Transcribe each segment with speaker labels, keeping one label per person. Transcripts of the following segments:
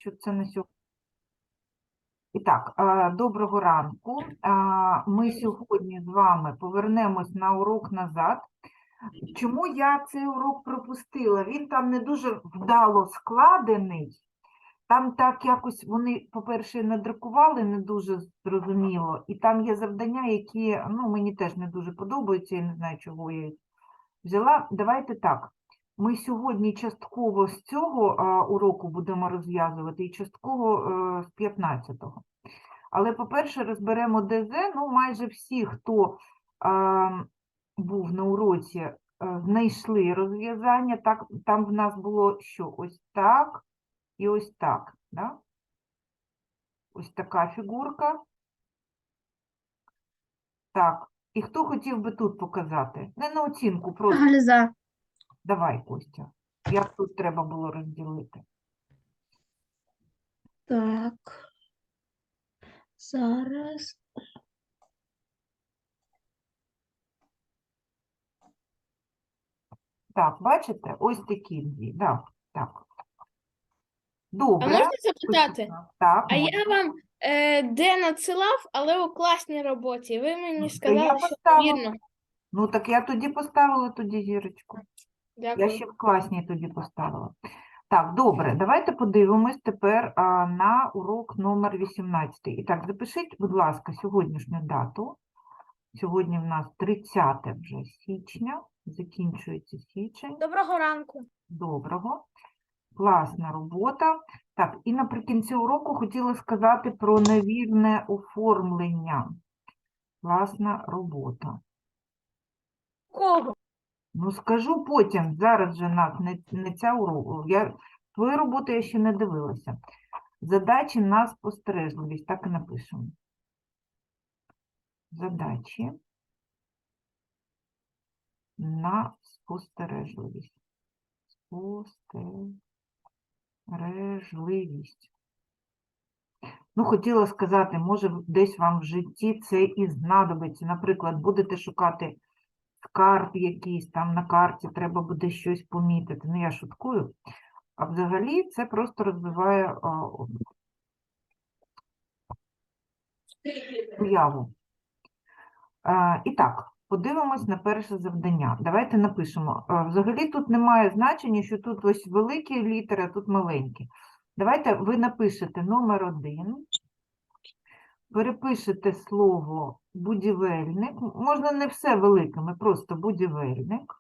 Speaker 1: що це на сьогодні. І так, доброго ранку. Ми сьогодні з вами повернемось на урок назад. Чому я цей урок пропустила? Він там не дуже вдало складений. Там так якось вони, по-перше, надрукували не дуже зрозуміло. І там є завдання, які мені теж не дуже подобаються, я не знаю, чого я їх взяла. Давайте так. Ми сьогодні частково з цього уроку будемо розв'язувати і частково з 15-го. Але, по-перше, розберемо ДЗ. Майже всі, хто був на уроці, знайшли розв'язання. Там в нас було що? Ось так і ось так. Да? Ось така фігурка. Так. І хто хотів би тут показати? Не на оцінку, просто.
Speaker 2: Галіза.
Speaker 1: Давай, Костя. Як тут треба було розділити?
Speaker 2: Так. Зараз.
Speaker 1: Так, бачите? Ось такі дві. Да, так.
Speaker 3: А
Speaker 1: Добре.
Speaker 3: можна запитати?
Speaker 1: Так,
Speaker 3: А
Speaker 1: можна.
Speaker 3: я вам де надсилав, але у класній роботі. Ви
Speaker 1: Ну,
Speaker 3: мені
Speaker 1: то
Speaker 3: сказали,
Speaker 1: я
Speaker 3: що
Speaker 1: поставила.
Speaker 3: вірно.
Speaker 1: Ну, так я тоді поставила тоді зірочку. Я
Speaker 3: Дякую.
Speaker 1: ще в класній тоді поставила. Так, добре, давайте подивимось тепер на урок номер 18. І так, запишіть, будь ласка, сьогоднішню дату. Сьогодні в нас 30 вже січня, закінчується січень.
Speaker 3: Доброго ранку.
Speaker 1: Доброго. Класна робота. Так, і наприкінці уроку хотіла сказати про невірне оформлення. Класна робота.
Speaker 3: Кого?
Speaker 1: Ну, скажу потім, зараз же нас не ця урока. Твою роботу я ще не дивилася. Задачі на спостережливість, так і напишемо. Задачі на спостережливість. Спостережливість. Ну, хотіла сказати, може, десь вам в житті це і знадобиться. Наприклад, будете шукати скарб якийсь, там на карті треба буде щось помітити. Ну, я шуткую. А взагалі це просто розвиває уяву. І так, подивимось на перше завдання. Давайте напишемо. Взагалі тут немає значення, що тут ось великі літери, а тут маленькі. Давайте ви напишете номер 1, перепишете слово будівельник. Можна не все великими, просто будівельник.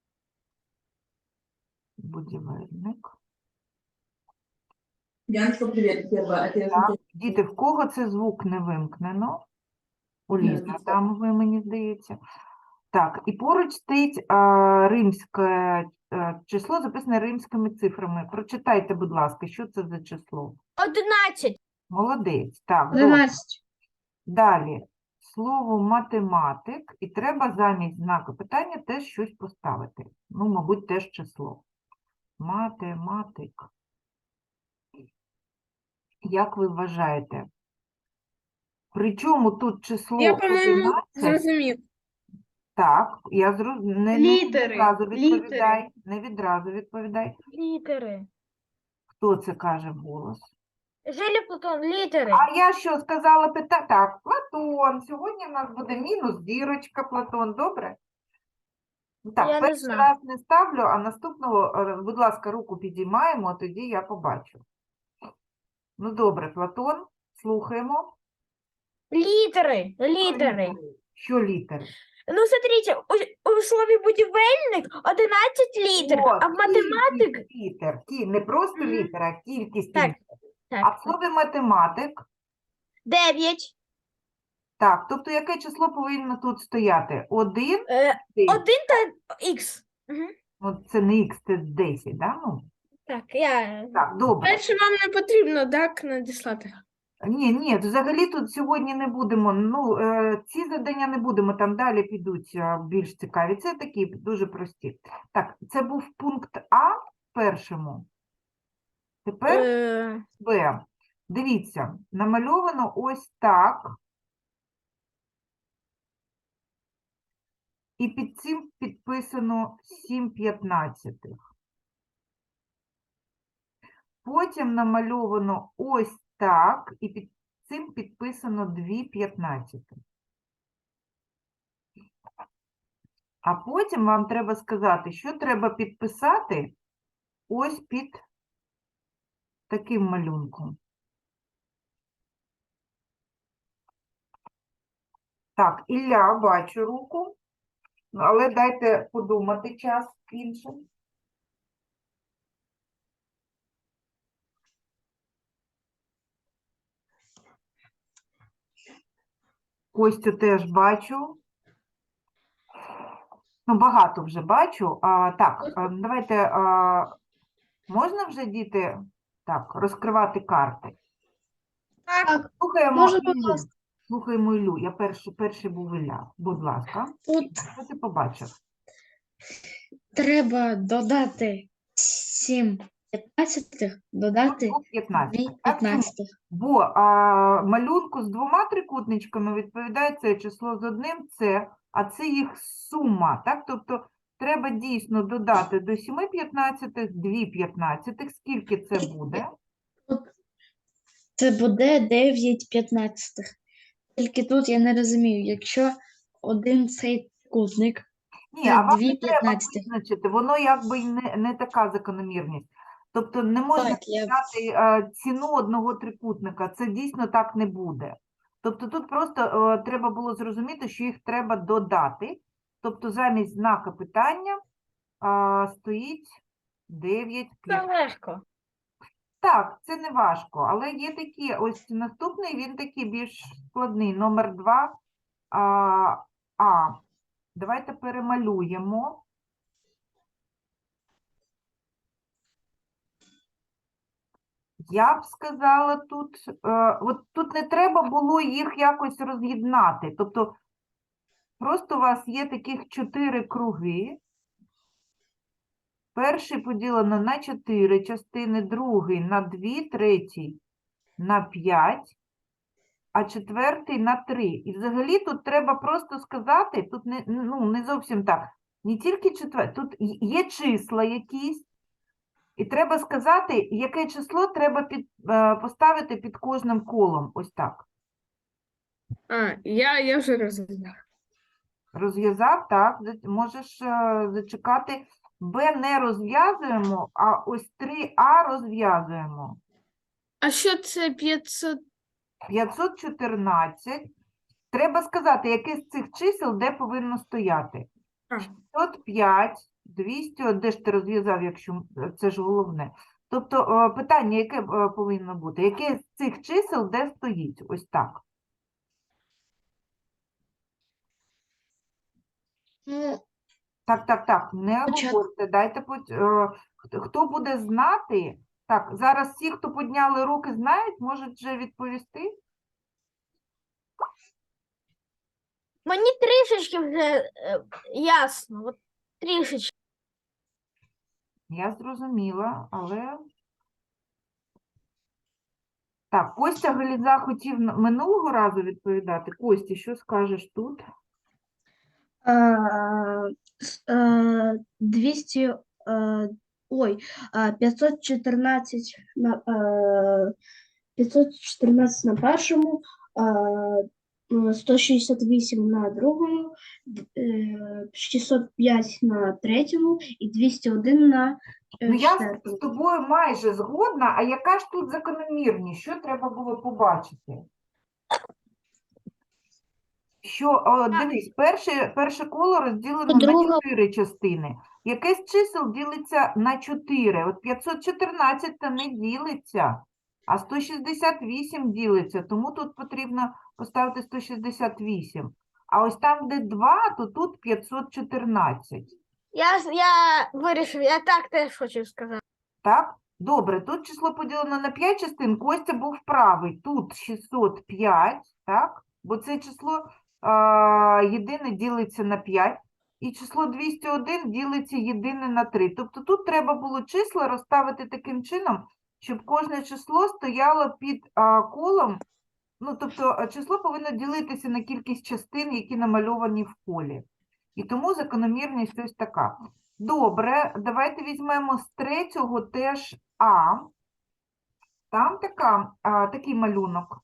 Speaker 1: Будівельник.
Speaker 4: Яночка, привет, первое. Это я
Speaker 1: Так,
Speaker 4: же
Speaker 1: діти, в кого це звук не вимкнено? У
Speaker 4: Ні,
Speaker 1: Лізі,
Speaker 4: це-
Speaker 1: там ви, мені здається. Так, і поруч стоїть римське число, записане римськими цифрами. Прочитайте, будь ласка, що це за число?
Speaker 3: 11.
Speaker 1: Молодець. Так, добре.
Speaker 2: 11.
Speaker 1: Далі. Слово математик, і треба замість знаку питання теж щось поставити. Ну, мабуть, теж число. Математик. Як ви вважаєте? Причому тут число
Speaker 3: Я, по-моєму,
Speaker 1: 11?
Speaker 3: зрозумів.
Speaker 1: Так, не
Speaker 2: Літери,
Speaker 1: відразу
Speaker 2: літери.
Speaker 1: відповідай. Не відразу відповідай.
Speaker 3: Літери.
Speaker 1: Хто це каже вголос?
Speaker 3: Жилі Платон, літери.
Speaker 1: А я що сказала Так, Платон. Сьогодні в нас буде мінус зірочка, Платон, добре? Так,
Speaker 3: Я не
Speaker 1: перший
Speaker 3: знаю.
Speaker 1: раз не ставлю, а наступного, будь ласка, руку підіймаємо, а тоді я побачу. Ну, добре, Платон, слухаємо.
Speaker 3: Літери. Літери.
Speaker 1: Що літери?
Speaker 3: Ну, смотрите, у слові будівельник 11 літер,
Speaker 1: О,
Speaker 3: а в математик...
Speaker 1: кількість літер. Не просто
Speaker 3: Мгм.
Speaker 1: літер, а кількість
Speaker 3: Так,
Speaker 1: літер. А в
Speaker 3: так.
Speaker 1: слові математик?
Speaker 3: 9.
Speaker 1: Так, тобто яке число повинно тут стояти? 1,
Speaker 3: 1 та х.
Speaker 1: ну це не х, це 10, да? Ну,
Speaker 3: Так, я...
Speaker 1: так, добре.
Speaker 3: Дальше вам не потрібно, так, надіслати?
Speaker 1: Ні, взагалі тут сьогодні не будемо, ці завдання не будемо, там далі підуть більш цікаві. Це такі дуже прості. Так, це був пункт А в першому. Тепер Б. Дивіться, намальовано ось так. І під цим підписано 7/15. Потім намальовано ось так, і під цим підписано 2/15. А потім вам треба сказати, що треба підписати ось під таким малюнком. Так, Ілля, бачу руку, але дайте подумати час іншим. Костю теж бачу. Ну, багато вже бачу. Так, давайте, можна вже, діти, так, розкривати карти?
Speaker 3: Так,
Speaker 1: Слухаємо
Speaker 2: Може, будь
Speaker 1: Іллю.
Speaker 2: ласка.
Speaker 1: Слухаємо Іллю. Я перший був Ілля. Будь ласка.
Speaker 2: Тут
Speaker 1: Що ти побачив?
Speaker 2: треба додати 7 15, додати
Speaker 1: 15.
Speaker 2: 2 15.
Speaker 1: Бо малюнку з двома трикутничками відповідає це число з одним це, а це їх сума. Так? Тобто треба дійсно додати до 7/15 2/15. Скільки це буде?
Speaker 2: Це буде 9 15. Тільки тут я не розумію, якщо один цей кутник,
Speaker 1: Ні,
Speaker 2: це
Speaker 1: а вам
Speaker 2: 2
Speaker 1: не треба
Speaker 2: 15.
Speaker 1: визначити, воно якби й не така закономірність. Тобто не можна
Speaker 2: Так, я
Speaker 1: взяти ціну одного трикутника, це дійсно так не буде. Тобто тут просто треба було зрозуміти, що їх треба додати. Тобто замість знака питання стоїть 9
Speaker 3: це легко.
Speaker 1: Так, це не важко, але є такі, ось наступний, він такий більш складний, номер 2. Давайте перемалюємо. Я б сказала тут, от тут не треба було їх якось роз'єднати. Тобто просто у вас є таких 4 круги. Перший поділено на 4 частини, другий на 2, третій на 5, а четвертий на 3. І взагалі тут треба просто сказати, тут не зовсім так, не тільки четвертий, тут є числа якісь, і треба сказати, яке число треба поставити під кожним колом. Ось так.
Speaker 5: Я вже розумію.
Speaker 1: Розв'язав, так, можеш зачекати. Б не розв'язуємо, а ось 3А розв'язуємо.
Speaker 5: А що це 500?
Speaker 1: 514. Треба сказати, яке з цих чисел де повинно стояти.
Speaker 5: А.
Speaker 1: 605, 200, де ж ти розв'язав, якщо це ж головне. Тобто питання, яке повинно бути? Яке з цих чисел де стоїть? Ось так.
Speaker 2: ну,
Speaker 1: Так, не
Speaker 2: Спочатку.
Speaker 1: говорте, дайте, хто буде знати, так, зараз всі, хто підняли руки, знають, можуть вже відповісти?
Speaker 3: Мені трішечки вже ясно. От трішечки.
Speaker 1: Я зрозуміла, але... Так, Костя Галіза хотів минулого разу відповідати. Костя, що скажеш тут?
Speaker 6: 200, ой, 514 на 514 на першому, 168 на другому, 605 на третьому і 201 на
Speaker 1: Ну, я з
Speaker 6: четвертому.
Speaker 1: тобою майже згодна, а яка ж тут закономірність? Що треба було побачити? Що, дивись, перше коло розділено на
Speaker 2: Друга.
Speaker 1: 4 частини. Яке з чисел ділиться на 4? От 514 та не ділиться, а 168 ділиться, тому тут потрібно поставити 168. А ось там, де 2, то тут 514.
Speaker 3: Я вирішив, я так теж хочу сказати.
Speaker 1: Так? Добре, тут число поділено на 5 частин, Костя був правий. Тут 605, так? Бо це число єдине ділиться на 5, і число 201 ділиться єдине на 3. Тобто тут треба було числа розставити таким чином, щоб кожне число стояло під колом. Ну, тобто число повинно ділитися на кількість частин, які намальовані в колі. І тому закономірність ось така. Добре, давайте візьмемо з третього теж А. Там такий малюнок.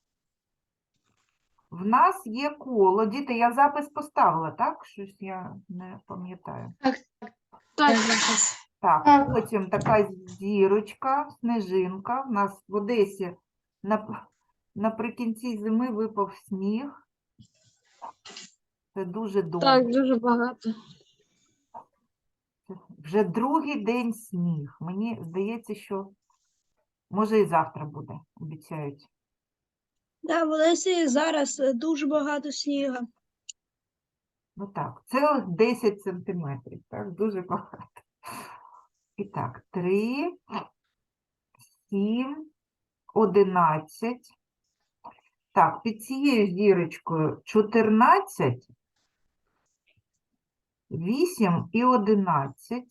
Speaker 1: В нас є коло. Діти, я запис поставила, так? Щось я не пам'ятаю.
Speaker 2: Я зараз.
Speaker 1: Так,
Speaker 6: Так.
Speaker 1: потім така зірочка, снежинка. В нас в Одесі наприкінці зими випав сніг. Це дуже добре.
Speaker 5: Так, дуже багато.
Speaker 1: Вже другий день сніг. Мені здається, що може і завтра буде, обіцяють.
Speaker 7: Да, в Одесі зараз дуже багато снігу.
Speaker 1: Ну так, цілих 10 сантиметрів, так, дуже багато. І так, 3, 7, 11. Так, під цією зірочкою 14, 8 і 11.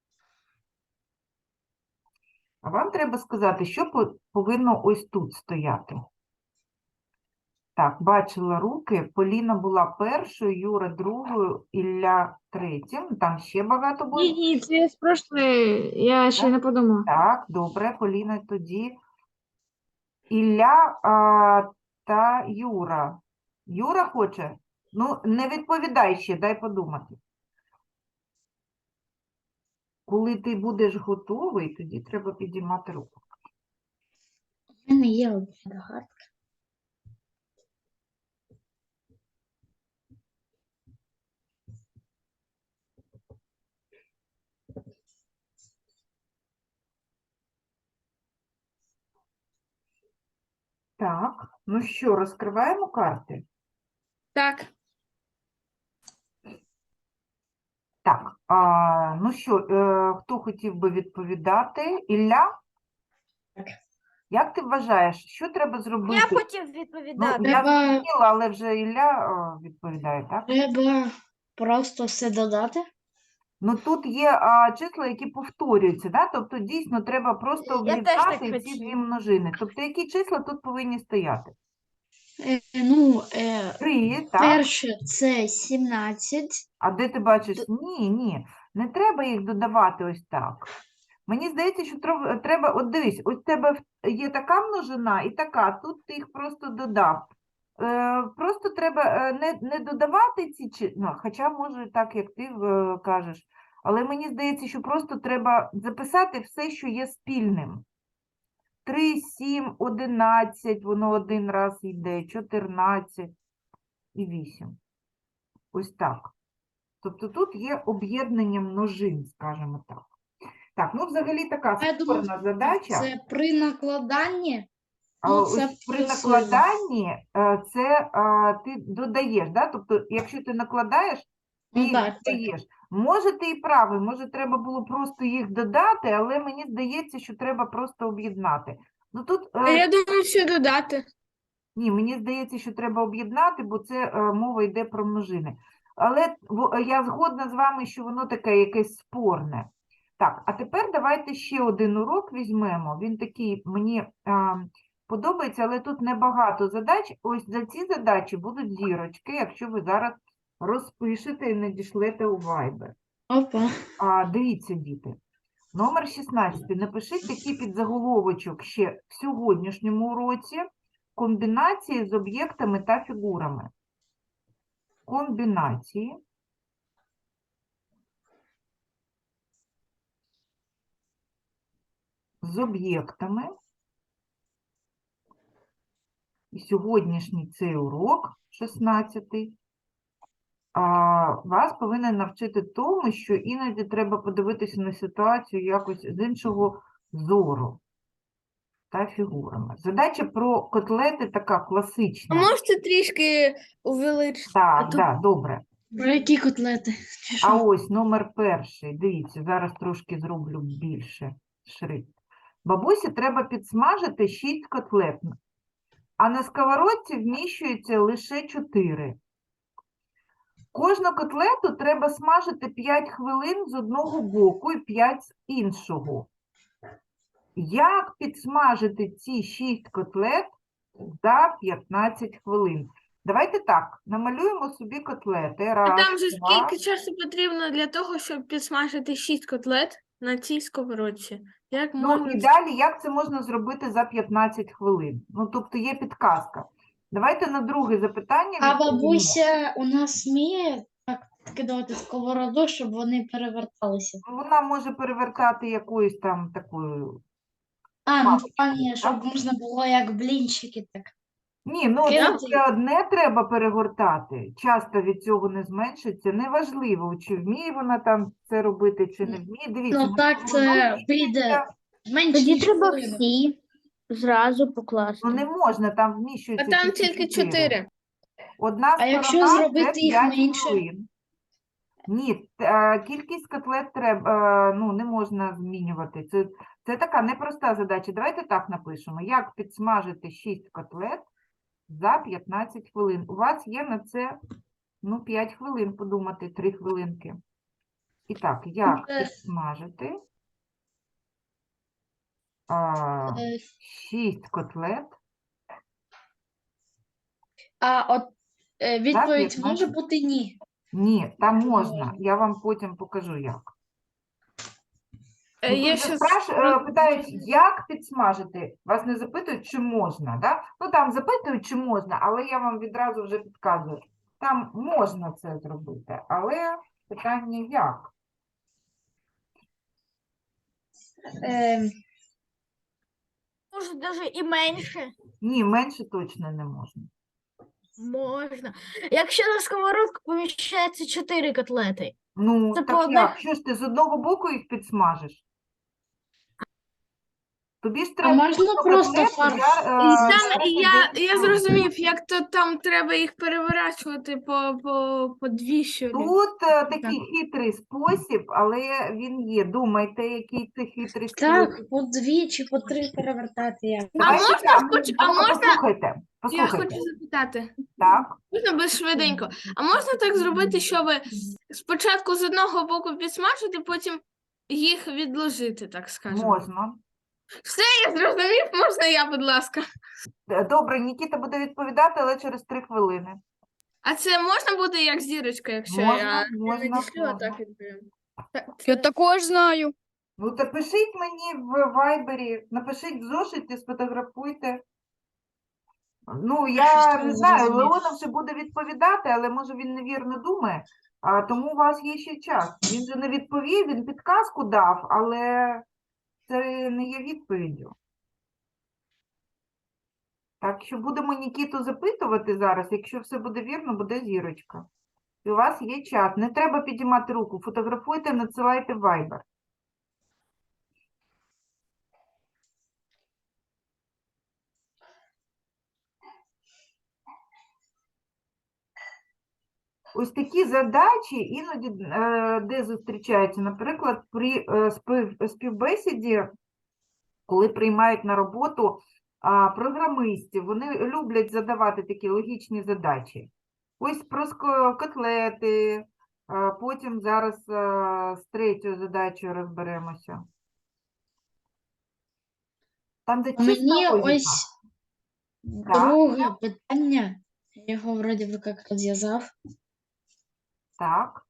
Speaker 1: А вам треба сказати, що повинно ось тут стояти. Так, бачила руки. Поліна була першою, Юра другою, Ілля третім. Там ще багато буде.
Speaker 5: Ні, це з прошлої, я ще
Speaker 1: Так.
Speaker 5: не подумала.
Speaker 1: Так, добре, Поліна тоді. Ілля та Юра. Юра хоче? Ну, не відповідай ще, дай подумати. Коли ти будеш готовий, тоді треба підіймати руку.
Speaker 2: У мене є одна догадка.
Speaker 1: Так, ну що, розкриваємо карти?
Speaker 5: Так,
Speaker 1: Так, ну що, хто хотів би відповідати? Ілля?
Speaker 2: Так.
Speaker 1: Як ти вважаєш, що треба зробити?
Speaker 3: Я хотів
Speaker 1: Ну,
Speaker 3: відповідати.
Speaker 1: я
Speaker 2: Треба-
Speaker 1: зрозуміла, але вже Ілля відповідає, так?
Speaker 2: Треба просто все додати.
Speaker 1: Ну, тут є числа, які повторюються, да? Тобто, дійсно, треба просто
Speaker 3: Я теж так
Speaker 1: об'єднати ці дві
Speaker 3: хотіла.
Speaker 1: множини. Тобто, які числа тут повинні стояти? 3, так?
Speaker 2: Перше це 17.
Speaker 1: А де ти бачиш? Ні, не треба їх додавати ось так. Мені здається, що треба, от дивись, ось в тебе є така множина і така, тут ти їх просто додав. Просто треба не додавати ці, ну, хоча може так, як ти кажеш, але мені здається, що просто треба записати все, що є спільним. 3, 7, 11, воно один раз йде, 14 і 8. Ось так. Тобто тут є об'єднання множин, скажімо так. Так, ну взагалі така
Speaker 2: Я думаю,
Speaker 1: спорна задача.
Speaker 2: Це при накладанні.
Speaker 1: А
Speaker 2: ну,
Speaker 1: ось
Speaker 2: це
Speaker 1: при
Speaker 2: плюсуємо.
Speaker 1: накладанні це ти додаєш, да? Тобто, якщо ти накладаєш, ти
Speaker 2: Ну,
Speaker 1: їх
Speaker 2: так, так.
Speaker 1: додаєш. Може, ти і правий, може, треба було просто їх додати, але мені здається, що треба просто об'єднати. Ну тут
Speaker 5: а я думаю, що додати.
Speaker 1: ні, мені здається, що треба об'єднати, бо це мова йде про множини. Але я згодна з вами, що воно таке якесь спорне. Так, а тепер давайте ще один урок візьмемо. Він такий, мені подобається, але тут небагато задач. Ось за ці задачі будуть зірочки, якщо ви зараз розпишете і надішлете у Viber.
Speaker 2: Опа.
Speaker 1: Дивіться, діти. Номер 16. Напишіть такий підзаголовочок ще в сьогоднішньому уроці. Комбінації з об'єктами та фігурами. Комбінації з об'єктами. І сьогоднішній цей урок, 16-й, вас повинен навчити тому, що іноді треба подивитися на ситуацію якось з іншого зору та фігурами. Задача про котлети така
Speaker 5: А
Speaker 1: класична.
Speaker 5: можете трішки увеличити?
Speaker 1: Так,
Speaker 5: то-
Speaker 1: так, добре.
Speaker 2: Про які котлети? Чи
Speaker 1: А
Speaker 2: що?
Speaker 1: ось номер перший. Дивіться, зараз трошки зроблю більше шрифт. Бабусі треба підсмажити 6 котлет, а на сковородці вміщується лише 4. Кожну котлету треба смажити 5 хвилин з одного боку і 5 з іншого. Як підсмажити ці 6 котлет за 15 хвилин? Давайте так, намалюємо собі котлети.
Speaker 5: А
Speaker 1: Раз,
Speaker 5: там же
Speaker 1: два.
Speaker 5: скільки часу потрібно для того, щоб підсмажити 6 котлет на цій сковородці? Як
Speaker 1: Ну,
Speaker 5: можна
Speaker 1: і далі, як це можна зробити за 15 хвилин? Ну, тобто є підказка. Давайте на друге запитання
Speaker 2: А
Speaker 1: відповімо.
Speaker 2: бабуся у нас вміє так кидати сковороду, щоб вони переверталися.
Speaker 1: Вона може перевертати якоюсь там такою.
Speaker 2: А, ну
Speaker 1: Паличкою,
Speaker 2: пані,
Speaker 1: так?
Speaker 2: щоб можна було як блінчики так.
Speaker 1: Ні, ну це
Speaker 2: Кинути.
Speaker 1: все одне треба перегортати. Часто від цього не зменшиться. Неважливо, чи вміє вона там це робити, чи не вміє. Дивіться,
Speaker 2: Ну так це піде менше,
Speaker 3: Тоді
Speaker 2: ніж
Speaker 3: треба
Speaker 2: хвилину.
Speaker 3: всі зразу покласти.
Speaker 1: ну не можна, там
Speaker 5: А
Speaker 1: вміщується
Speaker 5: там тільки 4.
Speaker 1: Одна
Speaker 2: А якщо
Speaker 1: сторона це
Speaker 2: зробити їх
Speaker 1: 5
Speaker 2: менше?
Speaker 1: хвилин. Ні, кількість котлет треба, ну, не можна змінювати. Це така непроста задача. Давайте так напишемо. Як підсмажити 6 котлет за 15 хвилин? У вас є на це, ну, 5 хвилин подумати, 3 хвилинки. І так, як
Speaker 2: Е.
Speaker 1: підсмажити
Speaker 2: Е,
Speaker 1: 6 котлет
Speaker 2: А от відповідь
Speaker 1: 15.
Speaker 2: може бути ні.
Speaker 1: Ні, там
Speaker 2: Не
Speaker 1: можна.
Speaker 2: можна.
Speaker 1: Я вам потім покажу, як. Ну,
Speaker 5: Є
Speaker 1: тут же
Speaker 5: ще
Speaker 1: питають, як підсмажити. Вас не запитують, чи можна, да? Ну, там запитують, чи можна, але я вам відразу вже підказую. Там можна це зробити, але питання як?
Speaker 3: Може, навіть і менше.
Speaker 1: Ні, менше точно не можна.
Speaker 3: Можна. Якщо на сковородку поміщається 4 котлети.
Speaker 1: Ну,
Speaker 3: Це по
Speaker 1: так
Speaker 3: одній-
Speaker 1: як? Що ж ти з одного боку їх підсмажиш? Тобі ж
Speaker 2: А
Speaker 1: треба
Speaker 2: можна
Speaker 1: просто
Speaker 2: просто
Speaker 1: котлету
Speaker 2: фарш?
Speaker 5: я зрозумів, як то там треба їх переворачувати по дві щолі.
Speaker 1: Тут такий хитрий спосіб, але він є. Думайте, який це хитрий спосіб.
Speaker 2: Так, по 2 чи по 3 перевертати як.
Speaker 1: Давайте
Speaker 5: можна
Speaker 1: так,
Speaker 5: а можна-
Speaker 1: Послухайте,
Speaker 5: Я
Speaker 1: послухайте.
Speaker 5: хочу запитати.
Speaker 1: Так,
Speaker 5: Можна без швиденько. А можна так зробити, щоб спочатку з одного боку підсмажити, потім їх відложити, так скажемо?
Speaker 1: можна.
Speaker 5: Все, я зрозумів, можна я, будь ласка.
Speaker 1: Добре, Нікіта буде відповідати, але через 3 хвилини.
Speaker 5: А це можна буде як зірочка, якщо
Speaker 1: Можна,
Speaker 5: я
Speaker 1: можна,
Speaker 5: надішлю, а
Speaker 1: можна.
Speaker 5: так відповім?
Speaker 7: Я також знаю.
Speaker 1: Ну, то пишіть мені в вайбері, напишіть в зошиті, сфотографуйте. Ну, я
Speaker 2: Щось
Speaker 1: не
Speaker 2: не
Speaker 1: знаю,
Speaker 2: зрозумів.
Speaker 1: Леонов ще буде відповідати, але може він невірно думає, тому у вас є ще час. Він же не відповів, він підказку дав, але це не є відповіддю. Так що будемо Нікіту запитувати зараз, якщо все буде вірно, буде зірочка. І у вас є час, не треба підіймати руку, фотографуйте, надсилайте в Viber. Ось такі задачі іноді де зустрічаються, наприклад, при співбесіді, коли приймають на роботу програмистів, вони люблять задавати такі логічні задачі. Ось про котлети, потім зараз з третьою задачею розберемося. Там, де чиста
Speaker 2: Мені
Speaker 1: логіка.
Speaker 2: ось
Speaker 1: Так.
Speaker 2: друге питання. Я його вроді би як розв'язав,
Speaker 1: Так.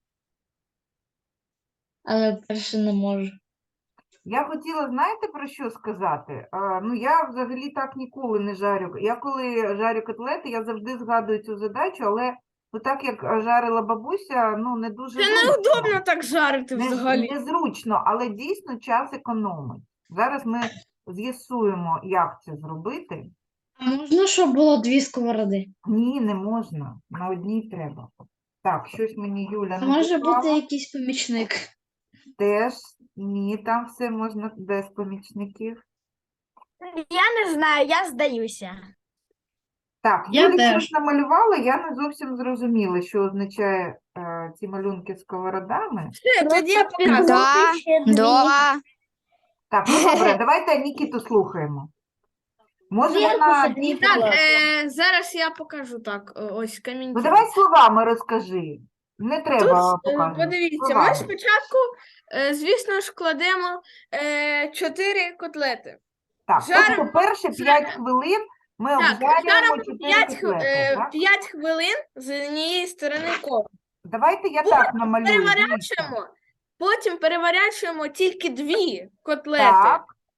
Speaker 2: але перше не можу.
Speaker 1: Я хотіла, знаєте, про що сказати? Ну, я взагалі так ніколи не жарю. Я коли жарю котлети, я завжди згадую цю задачу, але ну, так як жарила бабуся, ну, не дуже
Speaker 5: Це
Speaker 1: зручно.
Speaker 5: неудобно так жарити взагалі.
Speaker 1: Незручно, але дійсно час економить. Зараз ми з'ясуємо, як це зробити.
Speaker 2: А можна, щоб було 2 сковороди?
Speaker 1: Ні, не можна. На одній треба. Так, щось мені Юля
Speaker 2: А може
Speaker 1: написала.
Speaker 2: бути якийсь помічник?
Speaker 1: Теж ні, там все можна без помічників.
Speaker 3: Я не знаю, я здаюся.
Speaker 1: Так,
Speaker 2: Я
Speaker 1: Юля
Speaker 2: теж.
Speaker 1: щось намалювала, я не зовсім зрозуміла, що означає ці малюнки з сковородами.
Speaker 5: Все, тоді я показую.
Speaker 7: Да,
Speaker 3: Ще дві.
Speaker 7: Да.
Speaker 1: Так, ну добре, давайте Нікіту слухаємо. Може
Speaker 3: Зверху
Speaker 1: вона
Speaker 3: собі
Speaker 1: дійсно...
Speaker 5: Так, зараз я покажу так, ось камінь.
Speaker 1: Ну давай словами розкажи. Не треба показувати.
Speaker 5: Подивіться, ми
Speaker 1: Словами.
Speaker 5: спочатку, звісно ж, кладемо 4 котлети.
Speaker 1: Так,
Speaker 5: жаримо-
Speaker 1: тобто перші 5 хвилин ми
Speaker 5: Так,
Speaker 1: обжарюємо
Speaker 5: жаримо
Speaker 1: 4 котлети, так?
Speaker 5: 5 хвилин з однієї сторони кожну.
Speaker 1: Давайте я так намалюю. дивіться.
Speaker 5: Потім переворачуємо тільки 2 котлети
Speaker 1: Так,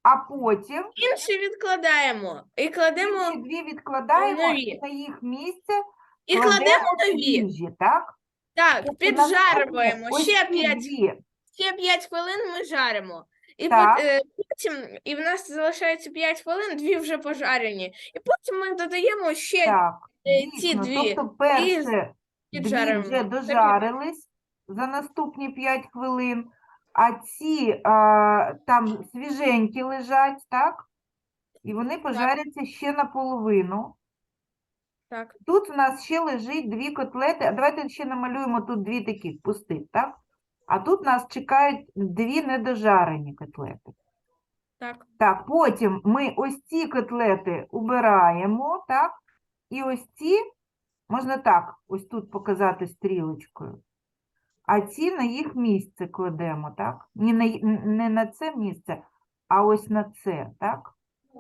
Speaker 1: а потім
Speaker 5: Інші відкладаємо і кладемо
Speaker 1: інші дві відкладаємо
Speaker 5: нові.
Speaker 1: і на їх місце
Speaker 5: і кладемо
Speaker 1: кладемо
Speaker 5: нові.
Speaker 1: свіжі, так?
Speaker 5: Так,
Speaker 1: Тобто
Speaker 5: піджарюємо.
Speaker 1: наступні ось
Speaker 5: Ще
Speaker 1: ці
Speaker 5: 5
Speaker 1: дві.
Speaker 5: Ще 5 хвилин ми жаримо. І
Speaker 1: Так.
Speaker 5: потім, і в нас залишається 5 хвилин, 2 вже пожарені. І потім ми додаємо ще
Speaker 1: Так,
Speaker 5: ці
Speaker 1: дійсно.
Speaker 5: дві.
Speaker 1: Тобто перше дві
Speaker 5: піджаримо.
Speaker 1: вже дожарились за наступні 5 хвилин, а ці там свіженькі лежать, так? І вони пожаряться ще наполовину.
Speaker 5: Так,
Speaker 1: Тут в нас ще лежить дві котлети. А давайте ще намалюємо тут дві таких пустих, так? А тут нас чекають дві недожарені котлети.
Speaker 5: так.
Speaker 1: Так, потім ми ось ці котлети убираємо, так? І ось ці, можна так, ось тут показати стрілочкою. А ці на їх місце кладемо, так? Не на це місце, а ось на це, так?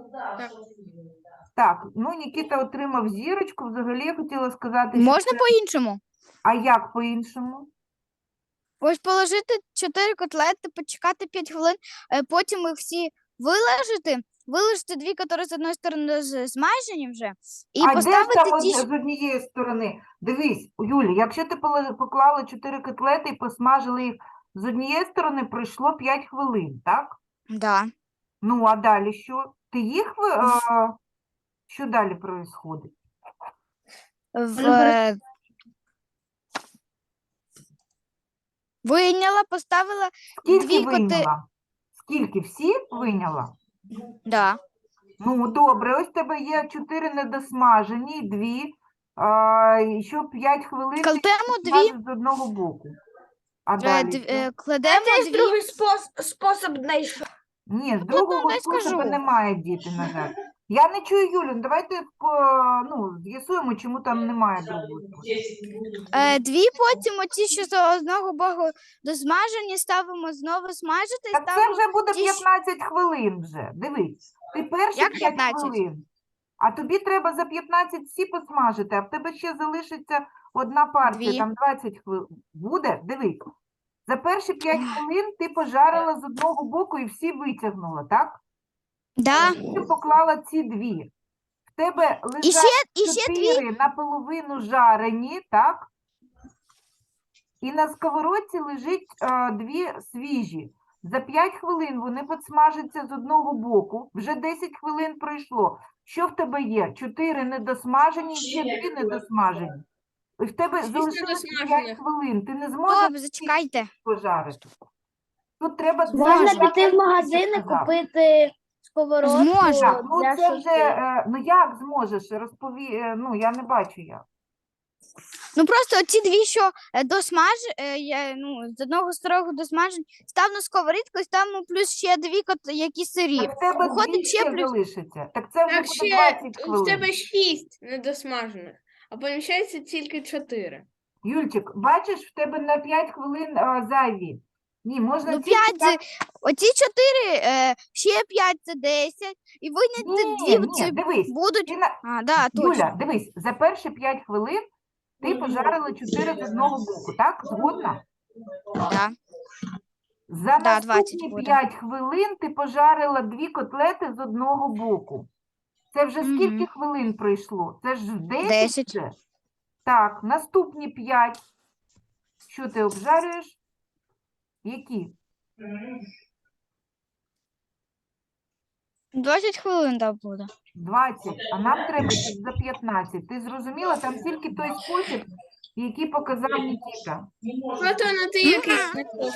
Speaker 1: Так, ну Нікіта отримав зірочку. Взагалі я хотіла сказати, що
Speaker 3: Можна
Speaker 1: це...
Speaker 3: по-іншому?
Speaker 1: А як по-іншому?
Speaker 3: Ось положити 4 котлети, почекати 5 хвилин, потім їх всі виложити 2, які з одної сторони змажені вже, і
Speaker 1: А де ж
Speaker 3: поставити
Speaker 1: там
Speaker 3: ті,
Speaker 1: з однієї сторони? Дивись, Юлі, якщо ти поклала 4 котлети і посмажили їх з однієї сторони, пройшло 5 хвилин, так?
Speaker 3: Да.
Speaker 1: Ну, а далі що? Ти їх... Що далі происходить?
Speaker 3: Вийняла, поставила,
Speaker 1: Скільки
Speaker 3: Дві
Speaker 1: вийняла? Скільки? Всі вийняла?
Speaker 3: да.
Speaker 1: Ну, добре, ось в тебе є 4 недосмажені, і 2, і ще 5 хвилин ти
Speaker 3: Кладемо 2,
Speaker 1: смажиш з одного боку. А далі що?
Speaker 3: кладемо
Speaker 5: Це
Speaker 3: 2,
Speaker 5: другий спосіб знайшов.
Speaker 1: Ні, з другого
Speaker 3: дай
Speaker 1: способу
Speaker 3: скажу.
Speaker 1: немає, діти, на жаль. Я не чую Юлю, давайте з'ясуємо, чому там немає другого способу.
Speaker 3: 2, потім оці, що з одного боку досмажені, ставимо знову смажити і
Speaker 1: Так це
Speaker 3: ставимо
Speaker 1: вже буде
Speaker 3: ті,
Speaker 1: 15 хвилин вже. Дивись, ти перші
Speaker 3: Як
Speaker 1: 5
Speaker 3: 15?
Speaker 1: хвилин, а тобі треба за 15 всі посмажити, а в тебе ще залишиться одна партія,
Speaker 3: Дві.
Speaker 1: там 20 хвилин. Буде? Дивись. За перші 5 хвилин ти пожарила з одного боку і всі витягнула, так?
Speaker 3: Да.
Speaker 1: Ти поклала ці 2. В тебе
Speaker 3: І ще,
Speaker 1: лежать
Speaker 3: і ще 2,
Speaker 1: 4 наполовину жарені, так? І на сковородці лежить 2 свіжі. За 5 хвилин вони підсмажаться з одного боку. Вже 10 хвилин пройшло. Що в тебе є? 4 недосмажені, ще 2 недосмажені. І в тебе
Speaker 5: 6
Speaker 1: залишилося 5
Speaker 5: недосмажених.
Speaker 1: хвилин. Ти не зможеш
Speaker 3: Добре, зачекайте.
Speaker 1: пожарити. Тут треба...
Speaker 6: Можна
Speaker 1: це, як
Speaker 6: піти в
Speaker 1: я
Speaker 6: магазин і
Speaker 1: сказав.
Speaker 6: купити сковородку
Speaker 3: Зможу.
Speaker 1: Так, ну
Speaker 6: для
Speaker 1: це вже,
Speaker 6: шашлику.
Speaker 1: ну як зможеш, ну я не бачу як.
Speaker 3: Ну просто оці 2, що з одного старого досмажені, став на сковорідку і ставимо плюс ще 2, які сирі.
Speaker 1: Так в тебе
Speaker 3: Виходить,
Speaker 1: 2
Speaker 3: ще
Speaker 1: ще
Speaker 3: плюс-
Speaker 1: залишиться. Так це вже
Speaker 5: Так,
Speaker 1: буде
Speaker 5: ще
Speaker 1: 20
Speaker 5: в
Speaker 1: хвилин.
Speaker 5: тебе 6 недосмажених, а поміщається тільки 4.
Speaker 1: Юльчик, бачиш, в тебе на 5 хвилин зайві. Ні, можна
Speaker 3: Ну,
Speaker 1: тільки
Speaker 3: 5,
Speaker 1: так-
Speaker 3: оці 4, ще 5 це 10, і виняти 2
Speaker 1: Ні,
Speaker 3: це
Speaker 1: дивись.
Speaker 3: будуть.
Speaker 1: Ти на...
Speaker 3: А, да, точно.
Speaker 1: Юля, дивись, за перші 5 хвилин ти пожарила 4 з одного боку, так? Згодна?
Speaker 3: Да.
Speaker 1: За
Speaker 3: Да, 20
Speaker 1: наступні
Speaker 3: буде.
Speaker 1: 5 хвилин ти пожарила 2 котлети з одного боку. Це вже
Speaker 3: Мгм.
Speaker 1: скільки хвилин пройшло? Це ж 10
Speaker 3: 10.
Speaker 1: вже? Так, наступні 5. Що ти обжарюєш? Які?
Speaker 3: 20 хвилин да, буде.
Speaker 1: 20, а нам треба щоб за 15. Ти зрозуміла? Там тільки той спосіб, який показав Нікіта.
Speaker 5: От воно ти якийсь.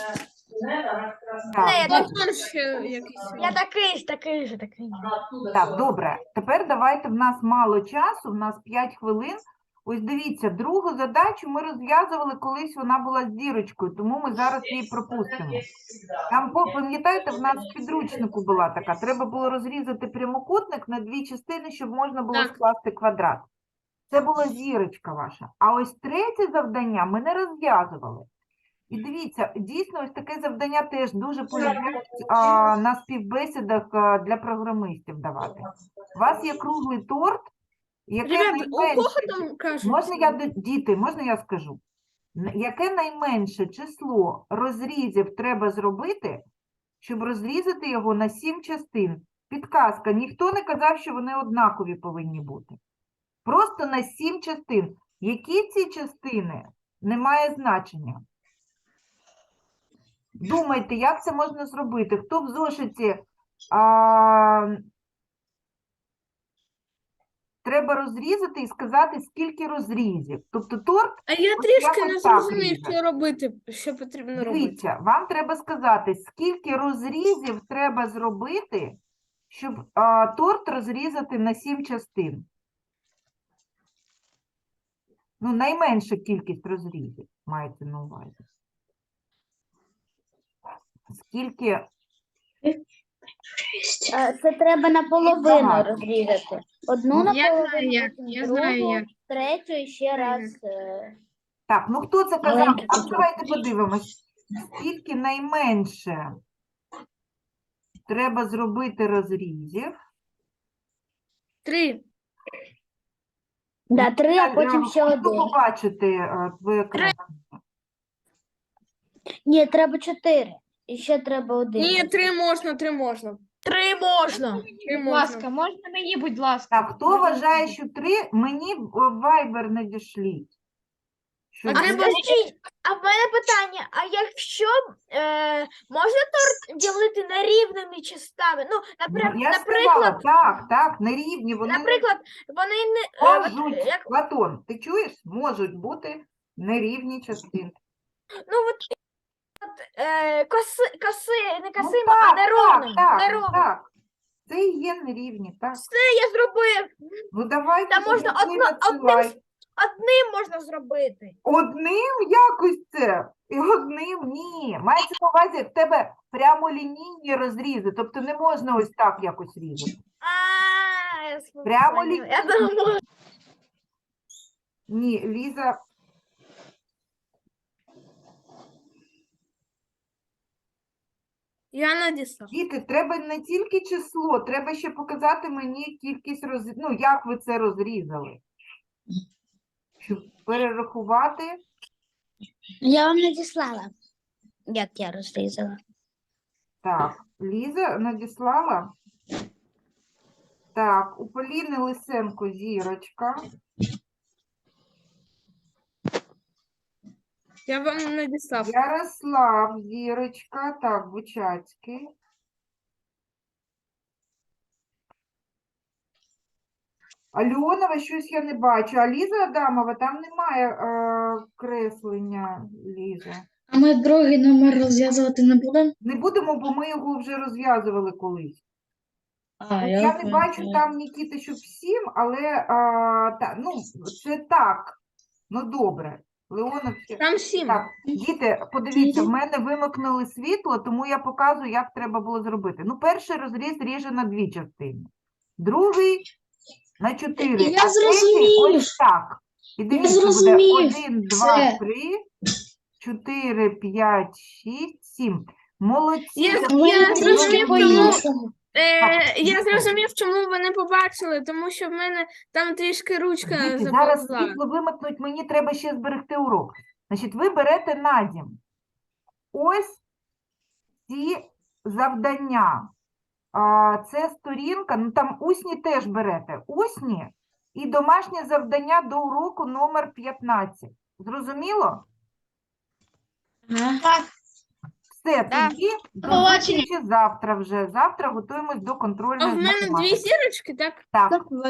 Speaker 1: Так,
Speaker 5: Батон ще якийсь.
Speaker 3: Я такий же.
Speaker 1: так, добре. Тепер давайте, в нас мало часу, в нас 5 хвилин. Ось дивіться, другу задачу ми розв'язували, колись вона була з зірочкою, тому ми зараз її пропустимо. Там, пам'ятаєте, в нас в підручнику була така, треба було розрізати прямокутник на 2 частини, щоб можна було
Speaker 5: Так.
Speaker 1: скласти квадрат. Це була зірочка ваша. А ось третє завдання ми не розв'язували. І дивіться, дійсно, ось таке завдання теж дуже полюбляють на співбесідах для програмистів давати. У вас є круглий торт, який
Speaker 5: Ребята, у кого
Speaker 1: найменше...
Speaker 5: там кажуть?
Speaker 1: Діти, можна я скажу? Яке найменше число розрізів треба зробити, щоб розрізати його на 7 частин. Підказка, ніхто не казав, що вони однакові повинні бути. Просто на 7 частин. Які ці частини? Немає значення. Думайте, як це можна зробити? Хто в зошиті треба розрізати і сказати, скільки розрізів. Тобто торт,
Speaker 5: А я
Speaker 1: От
Speaker 5: трішки
Speaker 1: якось
Speaker 5: не
Speaker 1: так
Speaker 5: зрозумів,
Speaker 1: різати.
Speaker 5: що робити, що потрібно робити.
Speaker 1: дивіться, вам треба сказати, скільки розрізів треба зробити, щоб торт розрізати на 7 частин. Ну, найменша кількість розрізів мається на увазі. Скільки?
Speaker 6: Це треба наполовину
Speaker 1: багато.
Speaker 6: розрізати. Одну
Speaker 2: Я
Speaker 6: наполовину,
Speaker 2: знаю як,
Speaker 6: потім
Speaker 2: я знаю
Speaker 6: другу,
Speaker 2: як.
Speaker 6: третю і ще
Speaker 2: Знаю
Speaker 6: раз.
Speaker 1: Так, ну хто це казав?
Speaker 6: Маленький
Speaker 1: А
Speaker 6: кусочок.
Speaker 1: давайте подивимось. Скільки найменше треба зробити розрізів?
Speaker 5: 3.
Speaker 6: Да, 3, а потім ще
Speaker 1: Хочу
Speaker 6: один.
Speaker 1: побачити твоє екран.
Speaker 6: Ні, треба 4. І ще треба один.
Speaker 5: Ні, 3 можна, 3 можна. 3 можна. 3
Speaker 8: Будь ласка,
Speaker 5: можна.
Speaker 8: можна мені, будь ласка?
Speaker 1: Так, хто вважає, що 3? Мені в Viber надішліть. Що
Speaker 5: А
Speaker 1: ви-
Speaker 5: треба
Speaker 9: А в мене питання: а якщо можна торт ділити на рівними частами? Ну,
Speaker 1: Ну, я ж сказала, так, нерівні, вони не
Speaker 9: наприклад, вони не
Speaker 1: можуть,
Speaker 9: як,
Speaker 1: Платон, ти чуєш? Можуть бути нерівні частини.
Speaker 9: ну коси, не
Speaker 1: Ну,
Speaker 9: косими,
Speaker 1: так,
Speaker 9: а неровними.
Speaker 1: так,
Speaker 9: неровними.
Speaker 1: так. Це і є нерівні, так.
Speaker 9: Я зробив.
Speaker 1: Ну, давайте
Speaker 9: Та можна
Speaker 1: тоді ви
Speaker 9: одним
Speaker 1: надсилай.
Speaker 9: Одним можна зробити.
Speaker 1: Одним якось це? І одним ні. Мається на увазі, в тебе прямолінійні розрізи, тобто не можна ось так якось різати.
Speaker 9: Я
Speaker 1: Прямо
Speaker 9: поняла. Я
Speaker 1: лінійно.
Speaker 9: думала,
Speaker 1: Ні, Ліза.
Speaker 5: Я надіслав.
Speaker 1: Діти, треба не тільки число, треба ще показати мені кількість розрізів. Ну, як ви це розрізали. Щоб перерахувати.
Speaker 6: Я вам надіслала, як я розрізала.
Speaker 1: Так, Ліза надіслала. Так, у Поліни Лисенко зірочка.
Speaker 5: Я вам надіслав.
Speaker 1: Ярослав зірочка. Так, Бучацький. Альонова, щось я не бачу. А Ліза Адамова, там немає креслення, Ліза.
Speaker 2: А ми другий номер розв'язувати не будемо?
Speaker 1: Не будемо, бо ми його вже розв'язували колись.
Speaker 2: А,
Speaker 1: От я не бачу там, Нікіта, щоб 7, але ну, це так. Ну, добре. Леонов ще.
Speaker 5: Там 7.
Speaker 1: Так, діти, подивіться, в мене вимикнули світло, тому я показую, як треба було зробити. Ну, перший розріз ріже на 2 частини. Другий на 4.
Speaker 2: Я
Speaker 1: а третій
Speaker 2: зрозумів.
Speaker 1: ось так. І дивіться, буде
Speaker 2: зрозумів.
Speaker 1: 1, 2,
Speaker 2: Все.
Speaker 1: 3, 4, 5, 6, 7. Молодці.
Speaker 5: Я
Speaker 1: записуйте
Speaker 5: зрозумів,
Speaker 1: нові
Speaker 5: тому-
Speaker 1: відео.
Speaker 5: Я зрозумів, чому ви не побачили, тому що в мене там трішки ручка
Speaker 1: Діти, зараз
Speaker 5: заповзла.
Speaker 1: світло вимикнуть, мені треба ще зберегти урок. Значить, ви берете на дім ось ці завдання. Це сторінка, ну там усні теж берете. Усні і домашнє завдання до уроку номер 15. Зрозуміло?
Speaker 2: Ага.
Speaker 1: Все,
Speaker 3: Да.
Speaker 1: тоді до
Speaker 2: побачення.
Speaker 1: зустрічі завтра вже. Завтра готуємось до
Speaker 5: А
Speaker 1: контрольної
Speaker 5: в мене 2
Speaker 1: математики.
Speaker 5: зірочки, так?
Speaker 1: Так.